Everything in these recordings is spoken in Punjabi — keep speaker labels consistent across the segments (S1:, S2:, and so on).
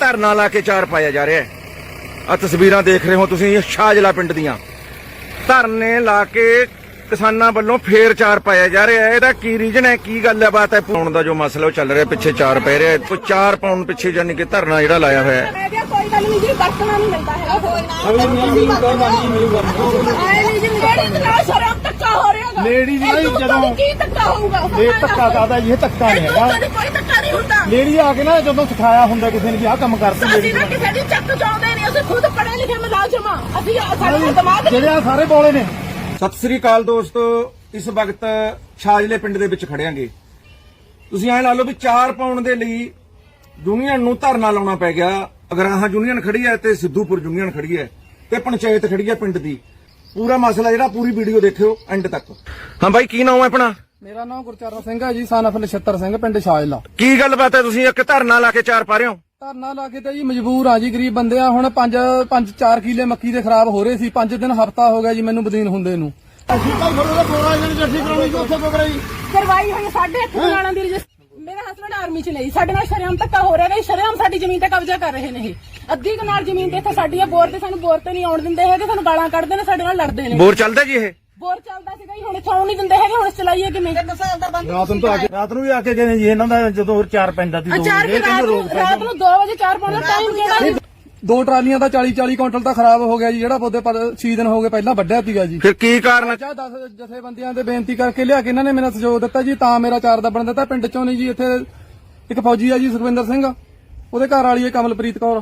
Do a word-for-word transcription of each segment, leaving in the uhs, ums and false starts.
S1: ਧਰਨਾ ਲਾ ਕੇ ਚਾਰ ਪਾਇਆ ਜਾ ਰਿਹਾ ਹੈ। ਆ ਤਸਵੀਰਾਂ ਦੇਖ ਰਹੇ ਹੋ ਤੁਸੀਂ ਸ਼ਾਹਜਲਾ ਪਿੰਡ ਦੀਆਂ। ਧਰਨੇ ਲਾ ਕੇ ਕਿਸਾਨਾਂ ਵੱਲੋਂ ਫੇਰ ਚਾਰ ਪਾਇਆ ਜਾ ਰਿਹਾ ਹੈ। ਇਹਦਾ ਕੀ ਰੀਜਨ ਹੈ, ਕੀ ਗੱਲ ਹੈ, ਬਾਤ ਹੈ? ਪਾਉਣ ਦਾ ਜੋ ਮਸਲਾ ਉਹ ਚੱਲ ਰਿਹਾ, ਪਿੱਛੇ ਚਾਰ ਪੈ ਰਿਹਾ, ਕੋਈ ਚਾਰ ਪਾਉਣ ਪਿੱਛੇ ਜਾਨੀ ਕਿ ਧਰਨਾ ਜਿਹੜਾ ਲਾਇਆ ਹੋਇਆ ਹੈ।
S2: ਕੋਈ ਗੱਲ ਨਹੀਂ ਜੀ, ਵਰਤਣਾ ਨਹੀਂ ਮਿਲਦਾ ਹੈ। ਕੋਈ ਨਾ ਨਹੀਂ ਨਹੀਂ ਜੀ, ਲੇਡੀ ਨਾਲ ਸ਼ਰਮ ਧੱਕਾ ਹੋ ਰਿਹਾ ਹੈ।
S3: ਲੇਡੀ ਦੀ ਜਦੋਂ
S2: ਕੀ ਧੱਕਾ ਹੋਊਗਾ?
S3: ਇਹ ਧੱਕਾ ਕਰਦਾ ਜੀ, ਇਹ ਧੱਕਾ ਨਹੀਂ ਹੈਗਾ।
S2: ਕੋਈ ਧੱਕਾ ਨਹੀਂ ਹੁੰਦਾ।
S3: ਲੇਡੀ ਆ ਕੇ ਨਾ ਜਦੋਂ ਸਿਖਾਇਆ ਹੁੰਦਾ ਕਿਸੇ ਨੇ ਵੀ ਆਹ ਕੰਮ ਕਰਦੇ
S2: ਅਸੀਂ ਨਾ ਕਿਸੇ ਦੀ ਚੱਕ ਚਾਉਂਦੇ ਨਹੀਂ, ਅਸੀਂ ਖੁਦ ਪੜ੍ਹੇ ਲਿਖੇ ਮੁਲਾਜ਼ਮ ਆ। ਅਸੀਂ ਸਾਡੇ ਦਿਮਾਗ
S3: ਜਿਹੜੇ ਆ ਸਾਰੇ ਬੋਲੇ ਨੇ।
S1: ਸਤਿ ਸ੍ਰੀ ਅਕਾਲ ਦੋਸਤੋ, ਇਸ ਵਕਤ ਸ਼ਾਹਜਲੇ ਪਿੰਡ ਦੇ ਵਿੱਚ ਖੜਿਆਂਗੇ। ਤੁਸੀਂ ਐਂ ਲਾ ਲਓ ਵੀ ਚਾਰ ਪਾਉਣ ਦੇ ਲਈ ਯੂਨੀਅਨ ਨੂੰ ਧਰਨਾ ਲਾਉਣਾ ਪੈ ਗਿਆ। ਅਗਰਾਹਾਂ ਯੂਨੀਅਨ ਖੜੀ ਹੈ ਤੇ ਸਿੱਧੂਪੁਰ ਯੂਨੀਅਨ ਖੜੀ ਹੈ ਤੇ ਪੰਚਾਇਤ ਖੜੀ ਹੈ ਪਿੰਡ ਦੀ। ਪੂਰਾ ਮਸਲਾ ਜਿਹੜਾ, ਪੂਰੀ ਵੀਡੀਓ ਦੇਖਿਓ ਐਂਡ ਤੱਕ। ਹਾਂ ਬਾਈ, ਕੀ ਨਾਮ ਹੈ ਆਪਣਾ?
S3: ਮੇਰਾ ਨਾਮ ਗੁਰਚਰਨ ਸਿੰਘ ਹੈ ਜੀ, ਸਨ ਆਫ ਨਛੱਤਰ ਸਿੰਘ, ਪਿੰਡ ਸ਼ਾਹਜਲਾ।
S1: ਕੀ ਗੱਲਬਾਤ ਹੈ, ਤੁਸੀਂ ਇੱਕ ਧਰਨਾ ਲਾ ਕੇ ਚਾਰ ਪਾ ਰਹੇ ਹੋ?
S3: ਧਰਨਾ ਲਾ ਕੇ ਤਾਂ ਜੀ ਮਜਬੂਰ ਆ ਜੀ, ਗਰੀਬ ਬੰਦੇ ਆ। ਹੁਣ ਪੰਜ ਪੰਜ ਚਾਰ ਕਿੱਲੇ ਮੱਕੀ ਦੇ ਖਰਾਬ ਹੋ ਰਹੇ ਸੀ। ਪੰਜ ਦਿਨ ਹਫਤਾ ਹੋ ਗਿਆ ਜੀ ਮੈਨੂੰ ਬਦੀਨ ਹੁੰਦੇ ਨੂੰ। ਅਸੀਂ ਤਾਂ ਥੋੜਾ ਬੋਰਾ ਇਹਨਾਂ ਨੇ ਜੱਫੀ ਕਰਾਉਣੀ ਜੀ, ਉੱਥੇ ਬਗਰਾਈ
S2: ਕਰਵਾਈ ਹੋਈ ਸਾਡੇ ਅੱਠ ਕਨਾਲਾਂ ਦੀ ਰਜਿਸਟਰੀ। ਮੇਰਾ ਹਸਬੰਡ ਆਰਮੀ ਚ ਲਈ, ਸਾਡੇ ਨਾਲ ਸ਼ਰਮ ਧੱਕਾ ਹੋ ਰਿਹਾ ਹੈ। ਸ਼ਰਮ ਸਾਡੀ ਜ਼ਮੀਨ ਤੇ ਕਬਜ਼ਾ ਕਰ ਰਹੇ ਨੇ। ਇਹ ਅੱਧੀ ਕਨਾਲ ਜ਼ਮੀਨ ਤੇ ਇੱਥੇ ਸਾਡੀ ਹੈ। ਬੋਰ ਤੇ ਸਾਨੂੰ ਬੋਰ ਤੇ ਨਹੀਂ ਆਉਣ ਦਿੰਦੇ ਹੈਗੇ, ਸਾਨੂੰ ਗਾਲਾਂ ਕੱਢਦੇ ਨੇ, ਸਾਡੇ ਨਾਲ ਲੜਦੇ ਨੇ।
S1: ਬੋਰ ਚੱਲਦਾ ਜੀ? ਇਹ
S2: ਬੋਰ ਚੱਲਦਾ ਸੀਗਾ ਜੀ, ਹੁਣ ਇੱਥੋਂ ਨਹੀਂ ਦਿੰਦੇ ਹੈਗੇ। ਹੁਣ ਚਲਾਈਏ ਕਿਵੇਂ?
S3: ਰਾਤ ਨੂੰ ਤਾਂ ਆ ਕੇ ਰਾਤ ਨੂੰ ਵੀ ਆ ਕੇ ਗਏ ਜੀ ਇਹਨਾਂ ਦਾ, ਜਦੋਂ ਚਾਰ ਪੈਂਦਾ ਸੀ
S2: ਚਾਰ ਰਾਤ ਨੂੰ ਦੋ ਵਜੇ ਚਾਰ ਪਾਉਣਾ ਟਾਈਮ ਕਿਹੜਾ?
S3: ਦੋ ਟਰਾਲੀਆਂ ਦਾ ਚਾਲੀ ਚਾਲੀ ਕੁਇੰਟਲ ਤਾਂ ਖਰਾਬ ਹੋ ਗਿਆ ਜੀ, ਜਿਹੜਾ ਪੌਦੇ ਛੇ ਦਿਨ ਹੋ ਗਏ ਪਹਿਲਾਂ ਵੱਢਿਆ ਸੀਗਾ ਜੀ।
S1: ਫਿਰ ਕੀ ਕਾਰਨ?
S3: ਚਾਹ ਦਸ ਜਥੇਬੰਦੀਆਂ ਦੇ ਬੇਨਤੀ ਕਰਕੇ ਲਿਆ ਕੇ ਇਹਨਾਂ ਨੇ ਮੇਰਾ ਸਹਿਯੋਗ ਦਿੱਤਾ ਜੀ, ਤਾਂ ਮੇਰਾ ਚਾਰ ਦਾ ਬਣ ਦਿੱਤਾ। ਪਿੰਡ ਚੋਂ ਨਹੀਂ ਜੀ, ਇੱਥੇ ਇੱਕ ਫੌਜੀ ਆ ਜੀ ਸੁਖਵਿੰਦਰ ਸਿੰਘ, ਉਹਦੇ ਘਰ ਵਾਲੀ ਹੈ ਕਮਲਪ੍ਰੀਤ ਕੌਰ।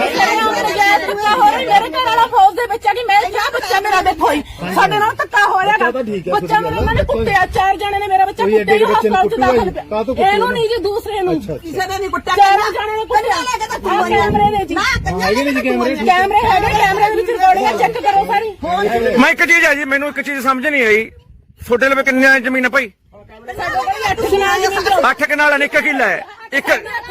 S2: ਮੇਰੇ ਘਰ ਵਾਲਾ ਫੌਜ ਦੇ ਵਿੱਚ ਆ ਕਿ ਮੈਂ ਕਿਹਾ ਬੱਚਾ ਮੇਰਾ ਦੇਖੋ ਹੀ ਸਾਡੇ ਨਾਲ ਧੱਕਾ ਹੋ ਰਿਹਾ। ਬੱਚਾ ਮੇਰਾ ਉਹਨਾਂ ਨੇ ਕੁੱਟਿਆ, ਚਾਰ ਜਣੇ ਨੇ ਮੇਰਾ ਬੱਚਾ ਕੁੱਟਿਆ ਜੀ, ਹਸਪਤਾਲ ਚ ਦਾਖਲ ਪਿਆ। ਇਹਨੂੰ ਨਹੀਂ ਜੀ, ਦੂਸਰੇ ਨੂੰ ਕਿਸੇ ਨੇ ਨਹੀਂ ਕੁੱਟਿਆ, ਚਾਰ ਜਣੇ ਨੇ ਕੁੱਟਿਆ। ਕੈਮਰੇ ਨੇ ਜੀ, ਕੈਮਰੇ ਹੈਗੇ, ਕੈਮਰੇ ਦੇ ਵਿੱਚ ਰਿਕਾਰਡਿੰਗ ਚੈੱਕ ਕਰੋ ਸਾਰੀ।
S1: ਮੈਂ ਇੱਕ ਚੀਜ਼ ਆ ਜੀ, ਮੈਨੂੰ ਇੱਕ ਚੀਜ਼ ਸਮਝ ਨਹੀਂ ਆਈ। ਤੁਹਾਡੇ ਲਵੇ ਕਿੰਨੀ ਜ਼ਮੀਨ ਹੈ ਭਾਈ? ਅੱਠ ਕਨਾਲ ਨੇ, ਇੱਕ ਕਿੱਲਾ ਹੈ। ਇੱਕ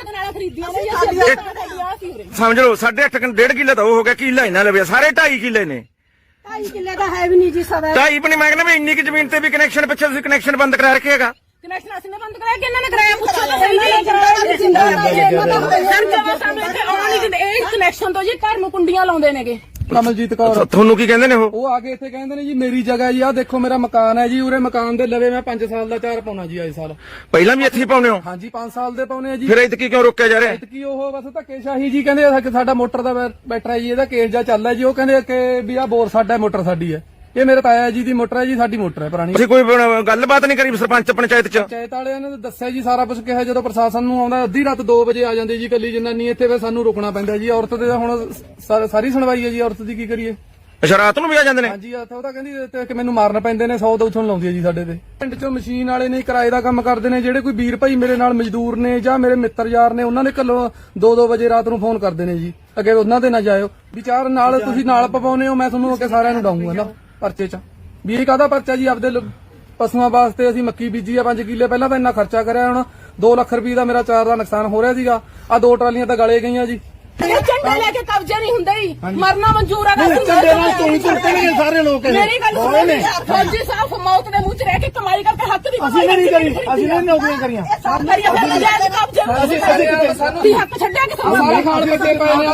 S1: ਸਮਝ ਲਓ, ਸਾਢੇ ਅੱਠ ਡੇਢ ਕਿੱਲੇ ਤਾਂ ਉਹ ਹੋ ਗਿਆ, ਕਿੱਲਾ ਇਹਨਾਂ ਲਵੇ ਸਾਰੇ ਢਾਈ ਕਿੱਲੇ ਨੇ।
S2: ਢਾਈ ਕਿੱਲੇ ਤਾਂ ਹੈ ਵੀ ਨਹੀਂ ਜੀ ਸਦਾ।
S1: ਢਾਈ ਵੀ ਨਹੀਂ, ਮੈਂ ਕਹਿੰਦਾ ਵੀ ਇੰਨੀ ਕਿ ਜ਼ਮੀਨ ਤੇ ਵੀ ਕਨੈਕਸ਼ਨ ਪਿੱਛੇ ਤੁਸੀਂ ਕਨੈਕਸ਼ਨ ਬੰਦ ਕਰਾ ਰੱਖਿਆ ਹੈਗਾ।
S2: ਕਨੈਕਸ਼ਨ ਅਸੀਂ ਨੇ ਬੰਦ ਕਰਾਇਆ ਕਿ ਇਹਨਾਂ ਨੇ ਕਰਾਇਆ? ਪੁੱਛੋ ਤਾਂ ਸਹੀ ਨਹੀਂ ਕਰਾਇਆ। ਸਰ ਜਮਾ ਸਾਹਮਣੇ ਆਉਣਾ ਨਹੀਂ ਦਿੰਦੇ। ਇਹ ਕਨੈਕਸ਼ਨ ਤੋਂ ਜੀ ਘਰ ਨੂੰ ਕੁੰਡੀਆਂ ਲਾਉਂਦੇ ਨੇਗੇ।
S3: ਕਮਲਜੀਤ ਕੌਰ।
S1: ਤੁਹਾਨੂੰ ਕੀ ਕਹਿੰਦੇ ਨੇ ਉਹ?
S3: ਉਹ ਆ ਕੇ ਇੱਥੇ ਕਹਿੰਦੇ ਨੇ ਜੀ ਮੇਰੀ ਜਗ੍ਹਾ ਜੀ, ਆਹ ਦੇਖੋ ਮੇਰਾ ਮਕਾਨ ਹੈ ਜੀ, ਉਰੇ ਮਕਾਨ ਦੇ ਲਵੇ ਮੈਂ ਪੰਜ ਸਾਲ ਦਾ ਚਾਰ ਪਾਉਣਾ ਜੀ। ਆਏ ਸਾਲ
S1: ਪਹਿਲਾਂ ਵੀ ਇੱਥੇ ਹੀ ਪਾਉਣੇ ਹੋ?
S3: ਹਾਂਜੀ, ਪੰਜ ਸਾਲ ਦੇ ਪਾਉਣੇ ਆ ਜੀ।
S1: ਫਿਰ ਇਤਕੀ ਕਿਉਂ ਰੋਕਿਆ ਜਾ ਰਿਹਾ?
S3: ਇਤਕੀ ਉਹ ਬਸ ਧੱਕੇਸ਼ਾਹੀ ਜੀ, ਕਹਿੰਦੇ ਸਾਡਾ ਮੋਟਰ ਦਾ ਬੈਟਰ ਹੈ ਜੀ, ਇਹਦਾ ਕੇਸ ਜਾ ਚੱਲਦਾ ਜੀ। ਉਹ ਕਹਿੰਦੇ ਕਿ ਵੀ ਆਹ ਬੋਰ ਸਾਡਾ, ਮੋਟਰ ਸਾਡੀ ਹੈ। ਇਹ ਮੇਰੇ ਤਾਇਆ ਜੀ ਦੀ ਮੋਟਰ ਹੈ ਜੀ, ਸਾਡੀ ਮੋਟਰ ਹੈ ਪੁਰਾਣੀ।
S1: ਤੁਸੀਂ ਕੋਈ ਗੱਲਬਾਤ ਨਹੀਂ ਕਰੀ ਸਰਪੰਚ ਪੰਚਾਇਤ ਚ?
S3: ਪੰਚਾਇਤ ਵਾਲਿਆਂ ਨੇ ਦੱਸਿਆ ਜੀ, ਸਾਰਾ ਕੁਝ ਕਿਹਾ। ਜਦੋਂ ਪ੍ਰਸ਼ਾਸਨ ਨੂੰ ਆਉਂਦਾ ਅੱਧੀ ਰਾਤ ਦੋ ਵਜੇ ਆ ਜਾਂਦੇ ਜੀ, ਕੱਲੀ ਜਨਾਨੀ ਇੱਥੇ ਫਿਰ ਸਾਨੂੰ ਰੁਕਣਾ ਪੈਂਦਾ ਜੀ। ਔਰਤ ਦੇ ਹੁਣ ਸਾਰੀ ਸੁਣਵਾਈ ਹੈ ਜੀ, ਔਰਤ ਦੀ ਕੀ ਕਰੀਏ?
S1: ਅੱਛਾ, ਰਾਤ ਨੂੰ ਵੀ ਆ ਜਾਂਦੇ ਨੇ?
S3: ਹਾਂਜੀ, ਉਹ ਤਾਂ ਕਹਿੰਦੀ ਕਿ ਮੈਨੂੰ ਮਾਰਨ ਪੈਂਦੇ ਨੇ, ਸੌ ਦੋ ਲਾਉਂਦੀ ਹੈ ਜੀ ਸਾਡੇ ਤੇ। ਪਿੰਡ ਚੋਂ ਮਸ਼ੀਨ ਵਾਲੇ ਨੇ, ਕਿਰਾਏ ਦਾ ਕੰਮ ਕਰਦੇ ਨੇ। ਜਿਹੜੇ ਕੋਈ ਵੀਰ ਭਾਈ ਮੇਰੇ ਨਾਲ ਮਜ਼ਦੂਰ ਨੇ ਜਾਂ ਮੇਰੇ ਮਿੱਤਰ ਯਾਰ ਨੇ, ਉਹਨਾਂ ਨੇ ਘੱਲੋ ਦੋ ਦੋ ਵਜੇ ਰਾਤ ਨੂੰ ਫੋਨ ਕਰਦੇ ਨੇ ਜੀ, ਅੱਗੇ ਉਹਨਾਂ ਦੇ ਨਾ ਜਾਇਓ ਵੀ ਚਾਰ ਨਾਲ ਤੁਸੀਂ ਨਾਲ ਪਵਾਉਨੇ ਹੋ। ਮੈਂ ਤੁਹਾਨੂੰ ਅੱਗੇ ਸਾਰਿਆਂ ਨੂੰ ਡਾਊਂਗਾ ਨਾ ਪਰਚੇ ਚ ਵੀ ਇਹ ਕਾਹਦਾ ਪਰਚਾ ਜੀ? ਆਪਦੇ ਪਸ਼ੂਆਂ ਵਾਸਤੇ ਅਸੀਂ ਮੱਕੀ ਬੀਜੀ ਆ ਪੰਜ ਕਿੱਲੇ, ਪਹਿਲਾਂ ਤਾਂ ਇੰਨਾ ਖਰਚਾ ਕਰਿਆ, ਹੁਣ ਦੋ ਲੱਖ ਰੁਪਏ ਦਾ ਮੇਰਾ ਚਾਰ ਦਾ ਨੁਕਸਾਨ ਹੋ ਰਿਹਾ ਸੀਗਾ। ਆ ਦੋ ਟਰਾਲੀਆਂ ਤਾਂ ਗਲੇ ਗਈਆਂ ਜੀ।
S2: ਝੰਡੇ ਲੈ ਕੇ ਕਬਜ਼ਾ ਨਹੀਂ ਹੁੰਦਾ ਹੀ, ਮਰਨਾ ਮਨਜ਼ੂਰ ਆ।
S3: ਝੰਡੇ ਨਾਲ ਤੋਈ ਤੁਰਤਣਗੇ ਸਾਰੇ ਲੋਕ।
S2: ਮੇਰੀ ਗੱਲ ਸੁਣੋ, ਫੌਜੀ ਸਾਹਿਬ ਮੌਤ ਦੇ ਮੂੰਹ ਚ ਰਹਿ ਕੇ ਕਮਾਈ ਕਰਕੇ ਹੱਕ ਦੀ
S3: ਅਸੀਂ ਨਹੀਂ ਕਰੀ, ਅਸੀਂ ਨਹੀਂ ਨੌਕਰੀਆਂ ਕਰੀਆਂ।
S2: ਅਸੀਂ ਹੱਕ ਛੱਡਿਆ ਕਿ
S3: ਸਾਰੇ ਖਾਲ ਬੱਚੇ ਪਏ ਨੇ,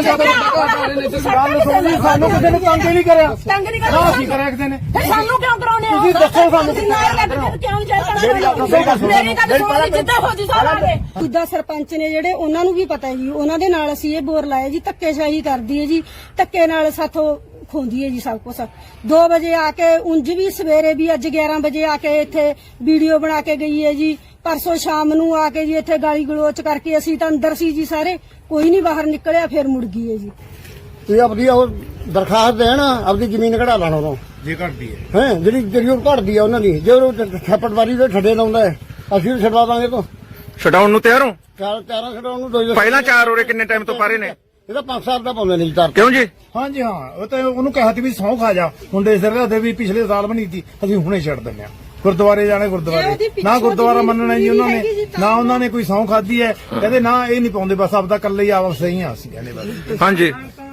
S3: ਸਾਨੂੰ ਕਿਸੇ ਨੇ ਤੰਗ ਨਹੀਂ ਕਰਿਆ।
S2: ਤੰਗ ਨਹੀਂ
S3: ਕਰਿਆ, ਅਸੀਂ ਕਰਿਆ ਕਿਸੇ ਨੇ।
S2: ਸਾਨੂੰ ਕਿਉਂ ਕਰਾਉਣੇ ਹੋ?
S3: ਤੁਸੀਂ ਦੱਸੋ ਸਾਨੂੰ
S2: ਕਿਉਂ ਜਾਇਦਾ? ਮੇਰੀ ਗੱਲ ਸੁਣੋ, ਜਿੱਦਾਂ ਫੌਜੀ ਸਾਹਿਬ ਆ ਗਏ।
S4: ਦੂਜਾ ਸਰਪੰਚ ਨੇ ਜਿਹੜੇ, ਉਹਨਾਂ ਨੂੰ ਵੀ ਪਤਾ ਹੈ ਜੀ, ਉਹਨਾਂ ਦੇ ਨਾਲ ਅਸੀਂ ਇਹ ਬੋਰ ਲਾਇਆ ਜੀ। ਧੱਕੇਸ਼ਾਹੀ ਕਰਦੀ ਹੈ ਜੀ, ਧੱਕੇ ਨਾਲ ਸਾਥੋਂ ਖੋਂਦੀ ਹੈ ਜੀ ਸਭ ਕੁਛ। ਦੋ ਵਜੇ ਆ ਕੇ, ਉਂਝ ਵੀ ਸਵੇਰੇ ਵੀ, ਅੱਜ ਗਿਆਰਾਂ ਵਜੇ ਆ ਕੇ ਇੱਥੇ ਵੀਡੀਓ ਬਣਾ ਕੇ ਗਈ ਹੈ ਜੀ। ਪਰਸੋਂ ਸ਼ਾਮ ਨੂੰ ਆ ਕੇ ਜੀ ਇੱਥੇ ਗਾਲੀ ਗਲੋਚ ਕਰਕੇ, ਅਸੀਂ ਤਾਂ ਅੰਦਰ ਸੀ ਜੀ ਸਾਰੇ, ਕੋਈ ਨਹੀਂ ਬਾਹਰ ਨਿਕਲਿਆ, ਫਿਰ ਮੁੜ ਗਈ ਹੈ ਜੀ।
S5: ਤੁਸੀਂ ਆਪਣੀ ਉਹ ਦਰਖਾਸਤ ਦੇਣ, ਆਪਣੀ ਜ਼ਮੀਨ ਕਢਾ ਲੈਣ ਉਦੋਂ
S3: ਜੇ ਘਟਦੀ ਹੈ
S5: ਹੈ, ਜਿਹੜੀ ਜਿਹੜੀ ਉਹ ਘਟਦੀ ਹੈ ਉਹਨਾਂ ਦੀ। ਜੇ ਉਹ ਛੱਪੜਵਾਰੀ ਦੇ ਠੱਡੇ ਲਾਉਂਦਾ ਹੈ, ਅਸੀਂ ਵੀ ਛਡਵਾ ਦਾਂਗੇ। ਤੋਂ
S1: ਛਡਾਉਣ ਨੂੰ ਤਿਆਰ ਹੋ?
S5: ਚਾਰ ਚਾਰਾਂ ਛਡਾਉਣ ਨੂੰ ਦੋ।
S1: ਪਹਿਲਾਂ ਚਾਰ ਹੋਰੇ ਕਿੰਨੇ ਟਾਈਮ ਤੋਂ ਪਾਰੇ ਨੇ?
S5: ਇਹਦਾ ਪੰਜ ਸਾਲ ਦਾ ਪਾਉਂਦੇ ਨੇ ਜੀ ਤਰ।
S1: ਕਿਉਂ ਜੀ?
S3: ਹਾਂਜੀ ਹਾਂ, ਉਹ ਤਾਂ ਉਹਨੂੰ ਕਿਹਾ ਸੀ ਵੀ ਸਹੁੰ ਖਾ ਜਾ, ਮੁੰਡੇ ਸਿਰ ਦੇ ਵੀ ਪਿਛਲੇ ਸਾਲ ਬਣੀ ਸੀ, ਅਸੀਂ ਹੁਣੇ ਛੱਡ ਦਿੰਦੇ ਆ। ਗੁਰਦੁਆਰੇ ਜਾਣੇ, ਗੁਰਦੁਆਰੇ ਨਾ ਗੁਰਦੁਆਰਾ ਮੰਨਣਾ ਜੀ ਉਹਨਾਂ ਨੇ, ਨਾ ਉਹਨਾਂ ਨੇ ਕੋਈ ਸਹੁੰ ਖਾਦੀ ਹੈ। ਕਹਿੰਦੇ ਨਾ ਇਹ ਨਹੀਂ ਪਾਉਂਦੇ, ਬਸ ਆਪਦਾ ਕੱਲੇ ਹੀ ਆਪ ਸਹੀ ਆ ਅਸੀਂ ਕਹਿੰਦੇ ਬਸ।
S1: ਹਾਂਜੀ,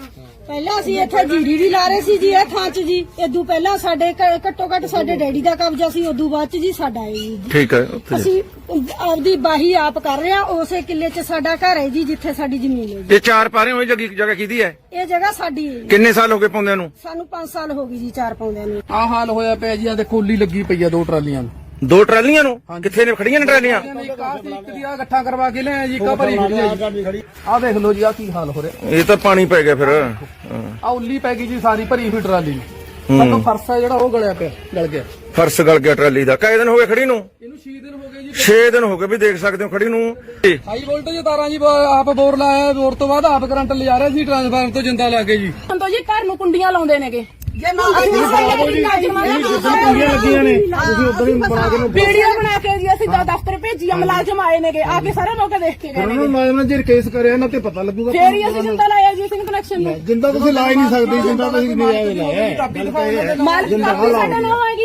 S4: ਪਹਿਲਾਂ ਅਸੀਂ ਇੱਥੇ ਜੀਰੀ ਵੀ ਲਾ ਰਹੇ ਸੀ ਜੀ ਇਹ ਥਾਂ 'ਚ ਜੀ ਇਦੋਂ ਪਹਿਲਾਂ ਸਾਡੇ ਘ- ਘੱਟੋ ਘੱਟ ਸਾਡੇ ਡੈਡੀ ਦਾ ਕਬਜ਼ਾ ਸੀ ਉਦੋਂ ਬਾਅਦ 'ਚ ਜੀ ਸਾਡਾ ਹੈ ਜੀ
S1: ਠੀਕ ਹੈ ਉੱਥੇ
S4: ਅਸੀਂ ਆਪਦੀ ਬਾਹੀ ਆਪ ਕਰ ਰਹੇ ਹਾਂ ਉਸੇ ਕਿੱਲੇ 'ਚ ਸਾਡਾ ਘਰ ਹੈ ਜੀ ਜਿੱਥੇ ਸਾਡੀ ਜ਼ਮੀਨ ਹੈ ਜੀ
S1: ਇਹ ਚਾਰ ਪਾਰੇ ਹੋਏ ਜਗੀ ਜਗ੍ਹਾ ਕਿਹਦੀ ਹੈ?
S4: ਇਹ ਜਗ੍ਹਾ ਸਾਡੀ ਹੈ ਜੀ।
S1: ਕਿੰਨੇ ਸਾਲ ਹੋ ਗਏ ਪਾਉਂਦਿਆਂ ਨੂੰ?
S4: ਸਾਨੂੰ ਪੰਜ ਸਾਲ ਹੋ ਗਏ ਜੀ ਚਾਰ ਪਾਉਂਦਿਆਂ ਨੂੰ
S3: ਆਹ ਹਾਲ ਹੋਇਆ ਪਿਆ ਜੀ, ਆ ਤੇ ਕੋਲੀ ਲੱਗੀ ਪਈ ਆ ਦੋ ਟਰਾਲੀਆਂ ਨੂੰ।
S1: ਦੋ ਟਰਾਲੀਆਂ ਨੂੰ ਕਿੱਥੇ ਨੇ ਖੜੀਆਂ ਨੇ ਟਰਾਲੀਆਂ?
S3: ਇੱਕ ਆਹ ਸੀ, ਇੱਕ ਦੀ ਆ ਇਕੱਠਾ ਕਰਵਾ ਕੇ ਲਿਆ ਜੀ, ਇੱਕ ਭਰੀ ਖੜੀ ਆ ਜੀ। ਆਹ ਦੇਖ ਲਓ ਜੀ, ਆ ਕੀ ਹਾਲ ਹੋ ਰਿਹਾ।
S1: ਇਹ ਤਾਂ ਪਾਣੀ ਪੈ ਗਿਆ ਫਿਰ।
S3: ਆ ਉੱਲੀ ਪੈ ਗਈ ਜੀ ਸਾਰੀ ਭਰੀ ਹੋਈ ਟਰਾਲੀ ਨੂੰ। ਸਾਡਾ ਫਰਸ਼ ਆ ਜਿਹੜਾ ਉਹ ਗਲਿਆ ਪਿਆ, ਗਲ ਗਿਆ।
S1: ਫਰਸ਼ ਗਲ ਗਿਆ ਟਰਾਲੀ ਦਾ। ਕਈ ਦਿਨ ਹੋ ਗਏ ਖੜੀ ਨੂੰ?
S3: ਇਹਨੂੰ ਛੇ ਦਿਨ ਹੋ ਗਏ ਜੀ।
S1: ਛੇ ਦਿਨ ਹੋ ਗਏ ਵੀ ਦੇਖ ਸਕਦੇ ਹੋ ਖੜੀ ਨੂੰ।
S3: ਹਾਈ ਵੋਲਟੇਜ ਤਾਰਾਂ ਜੀ, ਬ- ਆਪ ਬੋਰ ਲਾਇਆ, ਬੋਰ ਤੋਂ ਬਾਅਦ ਆਪ ਕਰੰਟ ਲਿਜਾ ਰਿਹਾ ਸੀ ਟਰਾਂਸਫਾਰਮਰ ਤੋਂ ਜਿੰਦਾ ਲਾ ਕੇ ਜੀ।
S2: ਹੁਣ ਤਾਂ ਜੀ ਘਰ ਨੂੰ ਕੁੰਡੀਆਂ ਲਾਉਂਦੇ ਨੇਗੇ
S4: ਜੇ ਨਾ ਅਸੀਂ
S5: ਕੁੰਡੀਆਂ ਲੱਗੀਆਂ ਨੇ ਤੁਸੀਂ ਉਧਰ ਹੀ ਬਣਾ ਕੇ ਨੂੰ
S2: ਵੀਡੀਓ ਬਣਾ ਕੇ ਜੀ ਅਸੀਂ ਤਾਂ ਦਫ਼ਤਰ ਭੇਜੀ ਆ, ਮੁਲਾਜ਼ਮ ਆਏ ਨੇਗੇ ਆ ਕੇ ਸਾਰੇ ਲੋਕ ਦੇਖ ਕੇ ਗਏ
S5: ਉਹਨਾਂ
S2: ਨੇ।
S5: ਨੂੰ ਮਾਜਨਾ ਜੇ ਕੇਸ ਕਰਿਆ ਨਾ ਤੇ ਪਤਾ ਲੱਗੂਗਾ।
S2: ਫੇਰ ਹੀ ਅਸੀਂ ਜਿੰਦਾ ਲਾਇਆ ਜੀ, ਅਸੀਂ ਕਨੈਕਸ਼ਨ ਨੂੰ
S5: ਜਿੰਦਾ ਤੁਸੀਂ ਲਾ ਹੀ ਨਹੀਂ ਸਕਦੇ, ਜਿੰਦਾ ਤੁਸੀਂ ਨਹੀਂ ਆਏ ਲਾਇਆ।
S2: ਮਾਲਕ ਕਾਪੀ ਸਾਡਾ ਨਾ ਹੋਏਗੀ।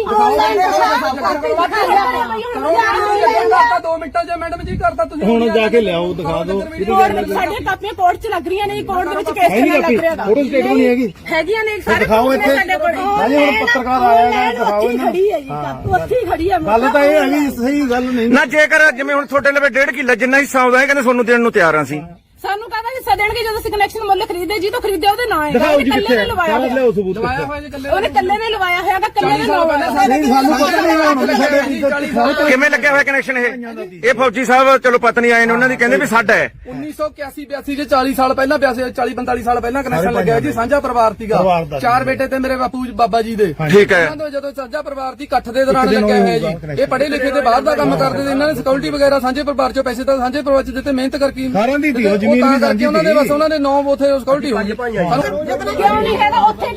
S3: ਕਰਤਾ ਦੋ ਮਿੰਟਾਂ ਚ ਮੈਡਮ ਜੀ, ਕਰਤਾ ਤੁਸੀਂ
S5: ਹੁਣ ਜਾ ਕੇ ਲਿਆਓ, ਦਿਖਾ ਦਿਓ।
S2: ਸਾਡੇ ਕਾਪੀਆਂ ਕੋਰਟ 'ਚ ਲੱਗ ਰਹੀਆਂ ਨੇ, ਕੋਰਟ ਦੇ ਵਿੱਚ ਕੇਸ
S5: ਹੈ ਨਹੀਂ
S2: ਚੱਲਣ
S5: ਕਾਪੀ,
S2: ਲੱਗ ਰਿਹਾ
S5: ਫੋਟੋ ਸਟੇਟ ਨਹੀਂ ਹੈਗੀ।
S2: ਹੈਗੀਆਂ ਨੇ ਸਾਰੇ
S5: ਦਿਖਾਓ ਇੱਥੇ।
S2: ਸਾਡੇ ਕੋਲ।
S5: ਹਾਂਜੀ, ਹੁਣ ਪੱਤਰਕਾਰ ਆਇਆ ਹੈਗਾ, ਦਿਖਾਓ ਇਹਨਾਂ ਨੂੰ।
S4: ਖੜੀ ਹੈ ਜੀ ਕਾਪੀ ਉੱਥੇ ਹੀ ਖੜੀ ਹੈ
S5: ਗੱਲ ਤਾਂ ਇਹ ਹੈਗੀ, ਸਹੀ ਗੱਲ ਨਹੀਂ।
S1: ਨਾ ਜੇਕਰ ਜਿਵੇਂ ਹੁਣ ਤੁਹਾਡੇ ਲਵੇ ਡੇਢ ਕਿੱਲਾ ਜਿੰਨਾ ਹਿੱਸਾ ਆਉਂਦਾ ਹੈ ਕਹਿੰਦੇ ਤੁਹਾਨੂੰ ਦੇਣ ਨੂੰ ਤਿਆਰ ਆ ਸੀ।
S2: ਸਾਨੂੰ ਕਹਿੰਦਾ ਜੀ ਸਦਣਗੇ ਜਦੋਂ ਅਸੀਂ ਕਨੈਕਸ਼ਨ ਮੁੱਲ ਖਰੀਦੇ ਜੀ ਤੋਂ ਖਰੀਦਿਆ ਉਹਦੇ ਨਾਂ ਹੈ
S5: ਦਿਖਾਓ ਜੀ ਕਿੱਥੇ
S2: ਲਵਾਇਆ
S5: ਸਾਰਾ ਲਿਆਓ ਸਬੂਤ
S3: ਲਵਾਇਆ
S5: ਕਿੱਥੇ।
S3: ਹੋਇਆ ਜੀ ਕੱਲੇ।
S2: ਉਹਨੇ ਕੱਲੇ ਨੇ ਲਵਾਇਆ ਹੋਇਆਗਾ, ਕੱਲੇ ਨੇ ਲਵਾਇਆ।
S5: ਨਹੀਂ ਸਾਨੂੰ ਪਤਾ ਨਹੀਂ ਹੁਣ ਸਾਡੇ
S1: ਕਿਵੇਂ ਲੱਗਿਆ ਹੋਇਆ ਕਨੈਕਸ਼ਨ ਇਹ? ਇਹ ਫੌਜੀ ਸਾਹਿਬ ਚਲੋ ਪਤਨੀ ਆਏ ਨੇ, ਉਹਨਾਂ ਦੀ ਕਹਿੰਦੇ ਵੀ ਸਾਡਾ ਹੈ।
S3: ਉੱਨੀ ਸੌ ਇਕਿਆਸੀ ਬਿਆਸੀ ਚ ਚਾਲੀ ਸਾਲ ਪਹਿਲਾਂ ਬਿਆਸੀ ਚਾਲੀ ਪੰਤਾਲੀ ਸਾਲ ਪਹਿਲਾਂ ਕਨੈਕਸ਼ਨ ਲੱਗਿਆ ਜੀ। ਸਾਂਝਾ ਪਰਿਵਾਰ ਸੀਗਾ,
S5: ਪਰਿਵਾਰ ਦਾ।
S3: ਚਾਰ ਬੇਟੇ ਤੇ ਮੇਰੇ ਬਾਪੂ ਬਾਬਾ ਜੀ ਦੇ।
S1: ਠੀਕ ਹੈ।
S3: ਉਹਨਾਂ ਤੋਂ ਜਦੋਂ ਸਾਂਝਾ ਪਰਿਵਾਰ ਦੀ ਇਕੱਠ ਦੇ ਦੌਰਾਨ ਲੱਗਿਆ ਹੋਇਆ ਜੀ। ਇਹ ਪੜ੍ਹੇ ਲਿਖੇ ਤੇ ਬਾਹਰ ਦਾ ਕੰਮ ਕਰਦੇ ਤੇ ਇਹਨਾਂ ਨੇ ਸਿਕਿਉਰਿਟੀ ਵਗੈਰਾ ਸਾਂਝੇ ਪਰਿਵਾਰ ਚੋਂ ਪੈਸੇ ਤਾਂ ਸਾਂਝੇ ਪਰਿਵਾਰ ਚ ਦਿੱਤੇ, ਮਿਹਨਤ ਕਰਕੇ
S5: ਸਾਰਿਆਂ ਦੀ ਸੀ, ਉਹ
S3: ਉਹ
S5: ਜ਼ਮੀਨ
S3: ਤਾਂ
S5: ਵੀ
S3: ਕਰਕੇ
S5: ਸਾਂਝੀ
S3: ਉਹਨਾਂ ਨੇ
S5: ਸੀ।
S3: ਬਸ ਉਹਨਾਂ ਨੇ ਨੌ ਉਥੇ ਸਿਕਿਉਰਿਟੀ ਹੋ ਗਈ।
S2: ਕਿਉਂ ਨਹੀਂ ਹੈਗਾ ਉੱਥੇ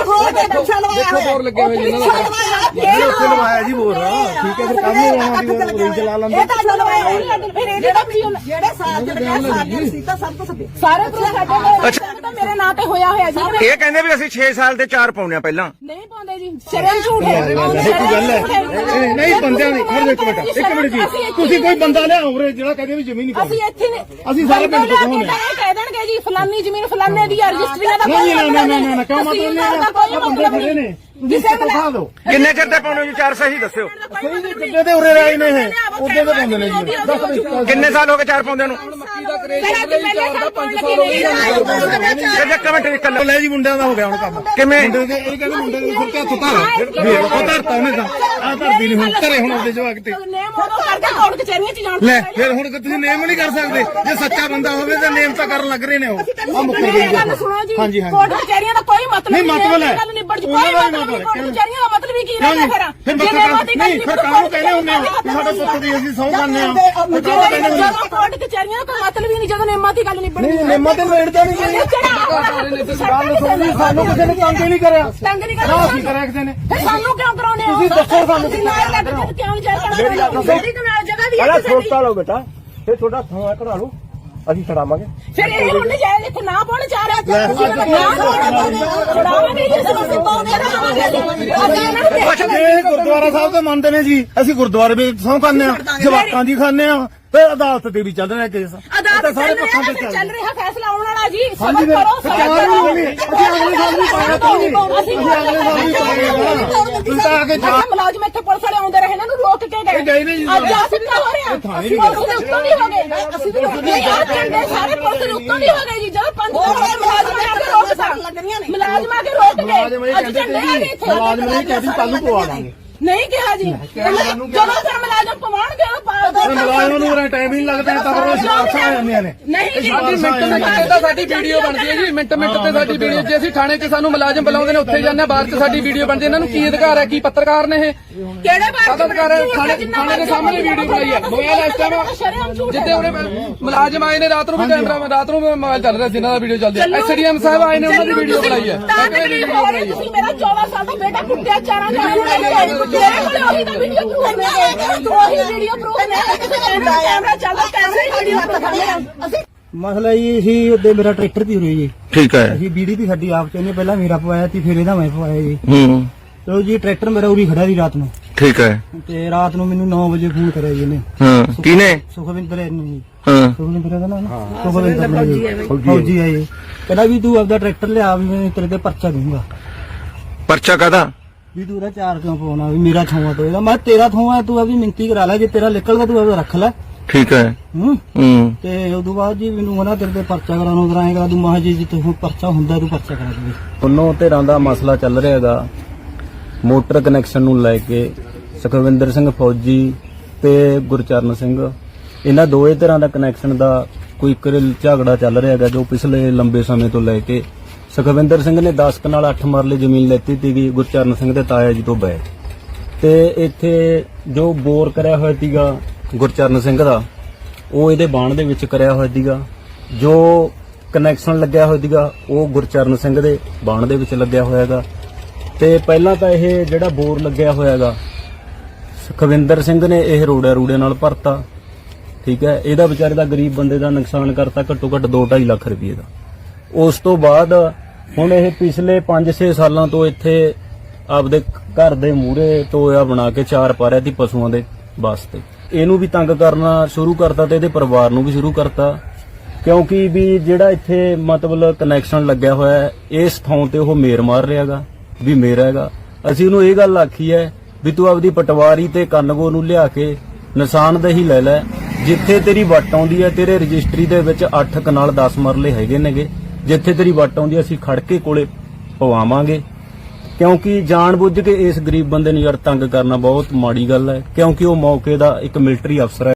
S3: ਦੇਖੋ ਬੋਰ ਲੱਗੇ ਹੋਏ ਜੀ ਇਹਨਾਂ ਦਾ।
S5: ਉੱਥੇ ਲਵਾਇਆ ਜੀ ਬੋਰ। ਠੀਕ ਹੈ, ਫਿਰ ਕੰਮ ਹੀ ਆਉਣਾ ਦੀ ਉਹ ਚਲਾ ਲੈਂਦੇ।
S2: ਇਹ ਤਾਂ ਲਵਾਇਆ ਫਿਰ ਇਹਦੇ ਤਾਂ ਕੀ ਹੁੰਦਾ?
S4: ਜਿਹੜੇ ਸਾਲ ਦੇ ਸਾਲ ਸੀ ਤਾਂ ਸਭ ਕੁਝ
S2: ਸਾਰੇ ਪ੍ਰੂਫ ਸਾਡੇ ਤਾਂ ਮੇਰੇ ਨਾਂ ਤੇ ਹੋਇਆ ਹੋਇਆ ਜੀ।
S1: ਇਹ ਕਹਿੰਦੇ ਵੀ ਅਸੀਂ ਛੇ ਸਾਲ ਦੇ ਚਾਰ ਪਾਉਣੇ ਆ ਪਹਿਲਾਂ।
S2: ਨਹੀਂ ਪਾਉਂਦੇ ਜੀ, ਸ਼ਰਮ ਝੂਠ ਹੈ।
S5: ਇੱਕ ਗੱਲ ਹੈ, ਇਹ ਨਹੀਂ ਬੰਦਿਆਂ ਦੀ ਖੜ ਇੱਕ ਮਿੰਟ ਇੱਕ ਮਿੰਟ ਜੀ, ਤੁਸੀਂ ਕੋਈ ਬੰਦਾ ਲਿਆਓ ਉਰੇ ਜਿਹੜਾ ਕਹਿੰਦੇ ਵੀ ਜ਼ਮੀਨ ਨਹੀਂ
S2: ਅਸੀਂ
S5: ਪਾਉਂਦੇ।
S2: ਇੱਥੇ ਨੇ
S5: ਅਸੀਂ ਸਾਰੇ ਪਿੰਡ ਤੋਂ ਕੌਣ ਹੈ?
S2: ਕਹਿ ਦੇਣਗੇ ਜੀ ਫਲਾਨੀ ਜ਼ਮੀਨ ਫਲਾਨੇ ਦੀ ਆ, ਰਜਿਸਟਰੀਆਂ ਦਾ
S5: ਨਹੀਂ ਨਹੀਂ ਨਹੀਂ ਨਹੀਂ ਕਿਉਂ ਮਤਲਬ ਨਹੀਂ ਆ ਬੰਦੇ ਖੜੇ ਨੇ
S2: ਕਿਸੇ ਨੂੰ
S5: ਦਿਖਾ ਦਿਓ।
S1: ਕਿੰਨੇ ਚਿਰ ਤੇ ਪਾਉਣੇ ਜੀ ਚਾਰ? ਸਹੀ ਦੱਸਿਓ।
S5: ਕਿੰਨੇ ਤੇ ਉਰੇ ਆਏ ਨੇ ਇਹ ਉਹਦੇ ਤੇ ਪਾਉਂਦੇ ਨੇ ਜੀ। ਦੱਸ
S1: ਕਿੰਨੇ ਸਾਲ ਹੋ ਗਏ ਚਾਰ ਪਾਉਂਦਿਆਂ ਨੂੰ?
S3: ਮੱਕੀ ਦਾ ਕਰੇਜ ਚੱਲ ਰਿਹਾ ਜੀ, ਚਾਰ ਦਾ ਪੰਜ ਸਾਲ ਹੋ ਗਏ।
S1: ਜੇ ਕਮੈਂਟ ਨਿਕਲ
S5: ਲੈ ਜੀ ਮੁੰਡਿਆਂ ਦਾ ਹੋ ਗਿਆ ਹੁਣ ਕੰਮ।
S1: ਕਿਵੇਂ?
S5: ਮੁੰਡੇ ਦੇ ਇਹ ਕਹਿੰਦੇ ਮੁੰਡੇ ਦੇ ਸਿਰ ਤੇ ਹੱਥ ਧਰ ਵੀ ਉਹ ਧਰਤਾ ਉਹਨੇ ਤਾਂ ਆ ਧਰਦੀ ਨਹੀਂ ਹੁਣ ਘਰੇ ਹੁਣ ਆਪਦੇ ਜਵਾਕ ਤੇ
S2: ਨੇਮ ਉਦੋਂ ਕਰਕੇ ਕੋਰਟ ਕਚਹਿਰੀਆਂ 'ਚ ਜਾਣ
S5: ਲੈ ਫਿਰ ਹੁਣ ਤੁਸੀਂ ਨੇਮ ਨਹੀਂ ਕਰ ਸਕਦੇ। ਜੇ ਸੱਚਾ ਬੰਦਾ ਹੋਵੇ ਤਾਂ ਨੇਮ ਤਾਂ ਕਰਨ ਲੱਗ ਰਹੇ ਨੇ ਉਹ ਆ ਮੁੱਕਰ ਗਈ
S2: ਗੱਲ ਸੁਣੋ ਜੀ,
S5: ਹਾਂਜੀ ਹਾਂਜੀ
S2: ਕੋਰਟ ਕਚਹਿਰੀਆਂ ਦਾ ਕੋਈ ਮਤਲਬ
S5: ਨਹੀਂ ਮਤਲਬ ਹੈ
S2: ਗੱਲ ਨਿਬੜ ਚ
S5: ਉਹਨਾਂ
S2: ਕੋਈ
S5: ਦਾ
S2: ਮਤਲਬ
S5: ਵੀ
S2: ਨਹੀਂ।
S5: ਮਤਲਬ
S2: ਕੋਰਟ ਕਚਹਿਰੀਆਂ ਦਾ ਮਤਲਬ ਹੀ ਕੀ
S5: ਕਿਉਂ
S2: ਰਹਿੰਦਾ
S5: ਨਹੀਂ?
S2: ਫਿਰ
S5: ਫਿਰ ਮਤਲਬ ਨਹੀਂ ਫਿਰ ਕਾਹਨੂੰ ਕਹਿੰਦੇ ਹੁੰਦੇ ਹੋ ਕਿ ਸਾਡੇ ਪੁੱਤ ਦੀ ਅਸੀਂ ਸਹੁੰ ਖਾਂਦੇ ਆ।
S2: ਜਦੋਂ ਕੋਰਟ ਕਚਹਿਰੀਆਂ ਦਾ ਕੋਈ ਮਤਲਬ ਹੀ ਨਹੀਂ, ਜਦੋਂ ਨੇਮਾਂ ਦੀ ਗੱਲ ਨਿਬੜ
S5: ਨਹੀਂ ਨੇਮਾਂ ਤੇ ਮੇੜਦਾ ਨਹੀਂ ਜੀ। ਗੱਲ ਸੁਣੀ ਸਾਨੂੰ ਕਿਸੇ ਨੇ ਤੰਗ ਹੀ ਨਹੀਂ ਕਰਿਆ
S2: ਤੰਗ ਨਹੀਂ
S5: ਨਾ
S2: ਕਰਦਾ
S5: ਅਸੀਂ ਕਰਿਆ ਕਿਸੇ ਨੇ।
S2: ਫਿਰ ਸਾਨੂੰ ਕਿਉਂ ਕਰਾਉਣੇ ਹੋ?
S5: ਤੁਸੀਂ ਦੱਸੋ ਸਾਨੂੰ
S2: ਅਸੀਂ ਨਾਲ ਲੱਗ ਕੇ ਕਿਉਂ ਜਾ ਕਰਨਾ? ਸਾਡੀ ਕਨਾਲ ਜਗ੍ਹਾ ਦੀ ਹੈ ਕਿਸੇ ਦੀ।
S5: ਲਓ ਬੇਟਾ ਫਿਰ ਤੁਹਾਡਾ ਥਾਂ ਕਢਾ ਲਓ ਅਸੀਂ ਛਡਾਵਾਂਗੇ।
S2: ਫਿਰ ਇਹ ਹੁਣ ਜਾਇਜ਼ ਇੱਥੇ ਨਾ ਪਾਉਣ ਚਾਹ ਰਿਹਾ ਛੁਡਾਵਾਂਗੇ ਜੀ, ਅਸੀਂ ਪਾਉਣੇ ਰਹਾਂਗੇ।
S5: ਇਹ ਗੁਰਦੁਆਰਾ ਸਾਹਿਬ ਤੋਂ ਮੰਨਦੇ ਨੇ ਜੀ, ਅਸੀਂ ਗੁਰਦੁਆਰੇ ਵਿੱਚ ਸਹੁੰ ਖਾਂਦੇ ਆ, ਜਵਾਕਾਂ ਦੀ ਖਾਂਦੇ ਆ, ਤੇ ਅਦਾਲਤ ਤੇ ਵੀ ਚੱਲ ਰਿਹਾ ਕੇਸ।
S2: ਅਦਾਲਤ
S5: ਸਾਰੇ ਪੱਖਾਂ ਤੇ ਚੱਲ
S2: ਚੱਲ ਰਿਹਾ, ਫੈਸਲਾ ਆਉਣ ਵਾਲਾ ਜੀ।
S5: ਹਾਂਜੀ
S2: ਸਬਰ ਕਰੋ,
S5: ਫਿਰ
S2: ਸਬਰ
S5: ਚਾਰ
S2: ਕਰੋ।
S5: ਵੀ ਅਸੀਂ ਅਗਲੇ ਸਾਲ ਵੀ ਪਾਇਆ ਤਾਂ ਜੀ ਅਸੀਂ ਅਗਲੇ ਸਾਲ ਵੀ ਪਾਏਗਾ। ਤੁਸੀਂ ਤਾਂ ਆ ਕੇ ਜਾ
S2: ਮੁਲਾਜ਼ਮ ਇੱਥੇ ਪੁਲਿਸ ਵਾਲੇ ਆਉਂਦੇ ਰਹੇ, ਇਹਨਾਂ ਨੂੰ ਰੋਕ ਕੇ ਗਏ।
S5: ਗਏ ਨੇ ਜੀ।
S2: ਅੱਜ ਅਸੀਂ ਵੀ ਹੋ ਰਹੇ ਹਾਂ, ਅਸੀਂ ਪੁਲਿਸ ਦੇ ਉੱਤੋਂ ਨਹੀਂ ਹੋ ਗਏ। ਅਸੀਂ ਵੀ ਨਹੀਂ ਆ ਝੰਡੇ ਸਾਰੇ ਪੁਲਿਸ ਦੇ ਉੱਤੋਂ ਨਹੀਂ ਹੋ ਗਏ ਜੀ। ਜਦੋਂ ਪੰਜ ਵਾਰ ਮੁਲਾਜ਼ਮ ਆ ਕੇ ਰੋਕ ਸਕ ਮੁਲਾਜ਼ਮ ਆ ਕੇ ਰੋਕ ਗਏ। ਅੱਜ ਝੰਡੇ ਆ ਗਏ ਇੱਥੇ।
S5: ਮੁਲਾਜ਼ਮ ਨੇ ਕਹਿੰਦੀ ਕੱਲ ਨੂੰ ਪਵਾ ਦਾਂਗੇ।
S2: ਨਹੀਂ ਕਿਹਾ ਜੀ, ਜਦੋਂ ਫਿਰ ਮੁਲਾਜ਼ਮ ਪਵਾਉਣਗੇ ਉਹ ਪਾ
S5: ਮੁਲਾਜ਼ਮਾਂ ਨੂੰ ਉਰੇ ਟਾਈਮ ਹੀ ਨਹੀਂ ਲੱਗਦਾ ਤਾਂ ਫਿਰ ਉਹ ਸਿਫਾਰਸ਼ਾਂ ਆ ਜਾਂਦੀਆਂ ਨੇ।
S2: ਨਹੀਂ ਜੀ,
S3: ਸਾਡੀ ਮਿੰਟ ਮਿੰਟ ਤੇ ਤਾਂ ਸਾਡੀ ਵੀਡੀਓ ਬਣਦੀ ਹੈ ਜੀ। ਮਿੰਟ ਮਿੰਟ ਤੇ ਸਾਡੀ ਵੀਡੀਓ, ਜੇ ਅਸੀਂ ਥਾਣੇ 'ਚ ਸਾਨੂੰ ਮੁਲਾਜ਼ਮ ਬੁਲਾਉਂਦੇ ਨੇ ਉੱਥੇ ਜਾਂਦੇ ਆ, ਬਾਅਦ 'ਚ ਸਾਡੀ ਵੀਡੀਓ ਬਣਦੀ ਹੈ। ਇਹਨਾਂ ਨੂੰ ਕੀ ਅਧਿਕਾਰ ਹੈ? ਕੀ ਪੱਤਰਕਾਰ ਨੇ ਇਹ?
S2: ਕਿਹੜੇ ਬਾਤ
S3: ਅਧਿਕਾਰ ਹੈ? ਥਾਣੇ ਥਾਣੇ ਦੇ ਸਾਹਮਣੇ ਵੀਡੀਓ ਬਣਾਈ ਹੈ। ਮੋਬਾਈਲ ਇਸ ਟਾਈਮ ਜਿੱਦੇ ਉਹਨੇ ਮੁਲਾਜ਼ਮ ਆਏ ਨੇ, ਰਾਤ ਨੂੰ ਵੀ ਕੈਮਰਾ ਰਾਤ ਨੂੰ ਮੋਬਾਈਲ ਚੱਲ ਰਿਹਾ ਸੀ, ਇਹਨਾਂ ਦਾ ਵੀਡੀਓ ਚੱਲਦੀ ਹੈ। ਐਸਡੀਐਮ ਸਾਹਿਬ ਆਏ ਨੇ, ਉਹਨਾਂ ਦੀ ਵੀਡੀਓ ਬਣਾਈ ਹੈ।
S2: ਤਾਂ ਤਕਲੀਫ ਹੋ ਰਹੀ, ਤੁਸੀਂ ਮੇਰਾ ਚੌਦਾਂ ਸਾਲ ਦਾ ਬੇਟਾ ਕੁੱਟਿਆ ਚਾਰਾਂ ਚਾਰਾਂ ਨੂੰ ਲੈ ਕੇ ਮੇਰੇ ਕੋਲ ਉਹੀ ਤਾਂ ਵੀਡੀਓ ਪ੍ਰੂਫ ਨੇ, ਉਹੀ ਵੀਡੀਓ ਪ੍ਰੂਫ ਨੇ। ਕਿਸੇ ਕੈਮਰਾ ਕੈਮਰਾ ਚੱਲਦਾ, ਕੈਮਰਾ ਹੀ ਵੀਡੀਓ ਪ੍ਰੂਫ ਅਸੀਂ
S6: ਮਸਲਾ ਇਹ ਸੀ ਉਹਦੇ ਮੇਰਾ ਟਰੈਕਟਰ ਦੀ ਹੋਈ ਜੀ।
S1: ਠੀਕ ਹੈ।
S6: ਅਸੀਂ ਬੀੜੀ ਦੀ ਸਾਡੀ ਆਪ ਚੋਂ ਪਹਿਲਾਂ ਮੇਰਾ ਪਵਾਇਆ ਸੀ, ਫਿਰ ਇਹਦਾ ਮੈਂ ਪਵਾਇਆ ਜੀ।
S1: ਹੂੰ
S6: ਚਲੋ ਜੀ ਟਰੈਕਟਰ ਮੇਰਾ ਉਰੀ ਖੜਾ ਸੀ ਰਾਤ ਨੂੰ,
S1: ਠੀਕ ਹੈ।
S6: ਤੇ ਰਾਤ ਨੂੰ ਮੈਨੂੰ ਨੌ ਵਜੇ ਫੋਨ ਕਰਿਆ ਜੀ ਇਹਨੇ,
S1: ਹਾਂ ਕਿਨੇ?
S6: ਸੁਖਵਿੰਦਰ ਨੇ ਜੀ।
S1: ਹਾਂ
S6: ਸੁਖਵਿੰਦਰ ਦਾ ਨਾਮ ਸੁਖਵਿੰਦਰ ਨੇ ਜੀ, ਫੌਜੀ ਆਏ। ਕਹਿੰਦਾ ਵੀ ਤੂੰ ਆਪਦਾ ਟਰੈਕਟਰ ਲਿਆ ਵੀ ਮੈਂ ਤੇਰੇ ਤੇ ਪਰਚਾ ਦੂੰਗਾ।
S1: ਪਰਚਾ ਕਾਹਦਾ?
S6: ਵੀ ਤੂੰ ਇਹਦਾ ਚਾਰ ਕਿਉਂ ਪਾਉਣਾ ਵੀ ਮੇਰਾ ਥੋਆ ਤੋਂ ਇਹਦਾ। ਮੈਂ ਤੇਰਾ ਥੋਆ ਤੂੰ ਆਪਦੀ ਮਿੰਤੀ ਕਰਾ ਲੈ, ਜੇ ਤੇਰਾ ਨਿਕਲਦਾ ਤੂੰ ਆਪਦਾ ਰੱਖ ਲੈ।
S1: ਠੀਕ ਹੈ।
S6: ਹੂੰ
S1: ਹੂੰ
S6: ਤੇ ਉਦੋਂ ਬਾਅਦ ਜੀ ਮੈਨੂੰ ਉਹਨਾਂ ਤੇਰੇ ਤੇ ਪਰਚਾ ਕਰਾਉਣਾ ਕਰਾਏਗਾ ਤੂੰ ਮਹਾ ਜੀ ਜਿੱਥੇ ਹੁਣ ਪਰਚਾ ਹੁੰਦਾ ਤੂੰ ਪਰਚਾ ਕਰਾ ਦੇ।
S7: ਦੋਨੋਂ ਧਿਰਾਂ ਦਾ ਮਸਲਾ ਚੱਲ ਰਿਹਾ ਹੈਗਾ ਮੋਟਰ ਕਨੈਕਸ਼ਨ ਨੂੰ ਲੈ ਕੇ। ਸੁਖਵਿੰਦਰ ਸਿੰਘ ਫੌਜੀ ਤੇ ਗੁਰਚਰਨ ਸਿੰਘ, ਇਹਨਾਂ ਦੋਏ ਧਿਰਾਂ ਦਾ ਕਨੈਕਸ਼ਨ ਦਾ ਕੋਈ ਘਰੇਲੂ ਝਗੜਾ ਚੱਲ ਰਿਹਾ ਹੈਗਾ ਜੋ ਪਿਛਲੇ ਲੰਬੇ ਸਮੇਂ ਤੋਂ ਲੈ ਕੇ। ਸੁਖਵਿੰਦਰ ਸਿੰਘ ਨੇ ਦਸ ਕਨਾਲ ਅੱਠ ਮਰਲੇ ਜ਼ਮੀਨ ਲੈਤੀ ਸੀਗੀ ਗੁਰਚਰਨ ਸਿੰਘ ਦੇ ਤਾਇਆ ਜੀ ਤੋਂ ਬੈ, ਤੇ ਇੱਥੇ ਜੋ ਬੋਰ ਕਰਿਆ ਹੋਇਆ ਸੀਗਾ ਗੁਰਚਰਨ ਸਿੰਘ ਦਾ ਉਹ ਇਹਦੇ ਬਾਣ ਦੇ ਵਿੱਚ ਕਰਿਆ ਹੋਇਆ ਸੀਗਾ। ਜੋ ਕਨੈਕਸ਼ਨ ਲੱਗਿਆ ਹੋਇਆ ਸੀਗਾ ਉਹ ਗੁਰਚਰਨ ਸਿੰਘ ਦੇ ਬਾਣ ਦੇ ਵਿੱਚ ਲੱਗਿਆ ਹੋਇਆ ਹੈਗਾ। ਤੇ ਪਹਿਲਾਂ ਤਾਂ ਇਹ ਜਿਹੜਾ ਬੋਰ ਲੱਗਿਆ ਹੋਇਆ ਹੈਗਾ ਸੁਖਵਿੰਦਰ ਸਿੰਘ ਨੇ ਇਹ ਰੋੜੇ ਰੂੜੇ ਨਾਲ ਭਰਤਾ। ਠੀਕ ਹੈ, ਇਹਦਾ ਵਿਚਾਰੇ ਦਾ ਗਰੀਬ ਬੰਦੇ ਦਾ ਨੁਕਸਾਨ ਕਰਤਾ ਘੱਟੋ ਘੱਟ ਦੋ ਢਾਈ ਲੱਖ ਰੁਪਏ ਦਾ। ਉਸ ਤੋਂ ਬਾਅਦ ਹੁਣ ਇਹ ਪਿਛਲੇ ਪੰਜ ਛੇ ਸਾਲਾਂ ਤੋਂ ਇੱਥੇ ਆਪਦੇ ਘਰ ਦੇ ਮੂਹਰੇ ਟੋਇਆ ਬਣਾ ਕੇ ਚਾਰ ਪਾ ਰਿਹਾ ਸੀ ਪਸ਼ੂਆਂ ਦੇ ਵਾਸਤੇ। ਇਹਨੂੰ ਵੀ ਤੰਗ ਕਰਨਾ ਸ਼ੁਰੂ ਕਰਤਾ ਤੇ ਇਹਦੇ ਪਰਿਵਾਰ ਨੂੰ ਵੀ ਸ਼ੁਰੂ ਕਰਤਾ, ਕਿਉਂਕਿ ਵੀ ਜਿਹੜਾ ਇੱਥੇ ਮਤਲਬ ਕਨੈਕਸ਼ਨ ਲੱਗਿਆ ਹੋਇਆ ਹੈ ਇਸ ਥਾਂ ਤੇ ਉਹ ਮੇਰ ਮਾਰ ਰਿਹਾਗਾ ਵੀ ਮੇਰਾ ਹੈਗਾ। ਅਸੀਂ ਉਹਨੂੰ ਇਹ ਗੱਲ ਆਖੀ ਹੈ ਵੀ ਤੂੰ ਆਪਦੀ ਪਟਵਾਰੀ ਤੇ ਕੰਨਗੋ ਨੂੰ ਲਿਆ ਕੇ ਨਿਸ਼ਾਨਦੇਹੀ ਲੈ ਲੈ, ਜਿੱਥੇ ਤੇਰੀ ਵੱਟ ਆਉਂਦੀ ਹੈ ਤੇਰੇ ਰਜਿਸਟਰੀ ਦੇ ਵਿੱਚ ਅੱਠ ਕਨਾਲ ਦਸ ਮਰਲੇ ਹੈਗੇ ਨੇਗੇ, ਜਿੱਥੇ ਤੇਰੀ ਵੱਟ ਆਉਂਦੀ ਅਸੀਂ ਖੜ ਕੇ ਕੋਲੇ ਪਵਾਵਾਂਗੇ। ਕਿਉਂਕਿ ਜਾਣਬੁੱਝ ਕੇ ਇਸ ਗਰੀਬ ਬੰਦੇ ਨੂੰ ਯਾਰ ਤੰਗ ਕਰਨਾ ਬਹੁਤ ਮਾੜੀ ਗੱਲ ਹੈ, ਕਿਉਂਕਿ ਉਹ ਮੌਕੇ ਦਾ ਇੱਕ ਮਿਲਟਰੀ ਅਫਸਰ ਹੈ।